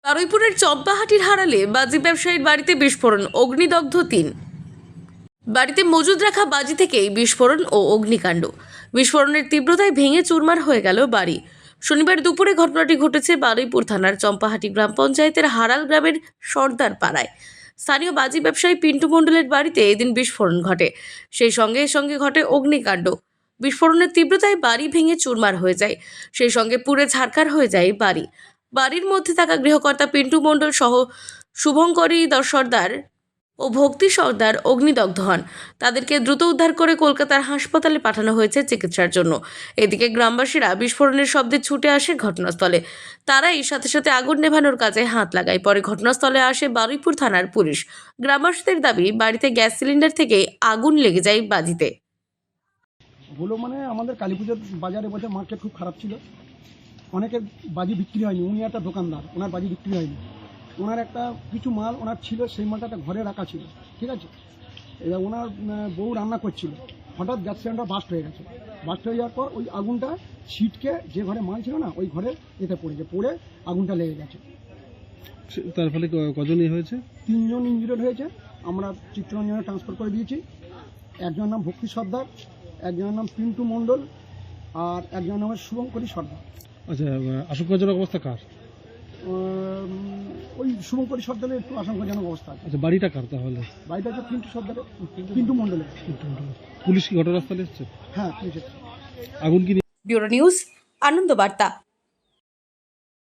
বারুইপুরের চম্পাহাটির হারালে বাজি ব্যবসায়ীর বাড়িতে বিস্ফোরণ, অগ্নিদগ্ধ ৩। বাড়িতে মজুদ রাখা বাজি থেকেই বিস্ফোরণ ও অগ্নিকাণ্ড। বিস্ফোরণের তীব্রতায় ভেঙে চুরমার হয়ে গেল বাড়ি। শনিবার দুপুরে ঘটনাটি ঘটেছে বারুইপুর থানার চম্পাহাটি গ্রাম পঞ্চায়েতের হারাল গ্রামের সর্দার পাড়ায়। স্থানীয় বাজি ব্যবসায়ী পিন্টু মণ্ডলের বাড়িতে এদিন বিস্ফোরণ ঘটে। সেই সঙ্গে ঘটে অগ্নিকাণ্ড। বিস্ফোরণের তীব্রতায় বাড়ি ভেঙে চুরমার হয়ে যায়, সেই সঙ্গে পুড়ে ছারখার হয়ে যায় বাড়ি। বাড়ির মধ্যে থাকা গৃহকর্তা পিন্টু মণ্ডল সহ শুভঙ্করী সর্দার ও ভক্তি সর্দার অগ্নিদগ্ধ হন। তাদেরকে দ্রুত উদ্ধার করে কলকাতার হাসপাতালে পাঠানো হয়েছে চিকিৎসার জন্য। এদিকে গ্রামবাসীরা বিস্ফোরণের শব্দে ছুটে আসে ঘটনাস্থলে। তারাই সাথে আগুন নেভানোর কাজে হাত লাগায়। পরে ঘটনাস্থলে আসে বারুইপুর থানার পুলিশ। গ্রামবাসীদের দাবি, বাড়িতে গ্যাস সিলিন্ডার থেকে আগুন লেগে যায় বাজিতে। হলো মানে আমাদের কালী পুজোর বাজারে বছর মার্কেট খুব খারাপ ছিল, অনেকের বাজি বিক্রি হয়নি। উনি একটা দোকানদার, ওনার বাজি বিক্রি হয়নি। ওনার একটা কিছু মাল ওনার ছিল, সেই মালটা একটা ঘরে রাখা ছিল, ঠিক আছে। এবার ওনার বউ রান্না করছিল, হঠাৎ গ্যাস সিলিন্ডার বাস্ট হয়ে গেছে। বাস্ট হয়ে যাওয়ার পর ওই আগুনটা ছিটকে যে ঘরে মাল ছিল না, ওই ঘরে এতে পড়ে আগুনটা লেগে গেছে। তার ফলে কজনই হয়েছে? 3 জন ইনজুর্ড হয়েছে। আমরা চিত্তরঞ্জনে ট্রান্সফার করে দিয়েছি। একজনের নাম ভক্তি সর্দার, একজনের নাম পিন্টু মণ্ডল, আর একজনের নাম শুভঙ্করী সর্দার। আচ্ছা, আশঙ্কাজনক অবস্থা কার? ওই শুভঙ্করী সর্দারের একটু আশঙ্কাজনক অবস্থা আছে। আচ্ছা, বাড়িটা কার তাহলে? বাড়িটা হচ্ছে পিন্টু সর্দারের, পিন্টু মণ্ডলের। পুলিশ কি ঘটনাস্থলে এসেছে? হ্যাঁ, পুলিশ এসেছে। আগুন কি? ব্যুরো নিউজ, আনন্দ বার্তা।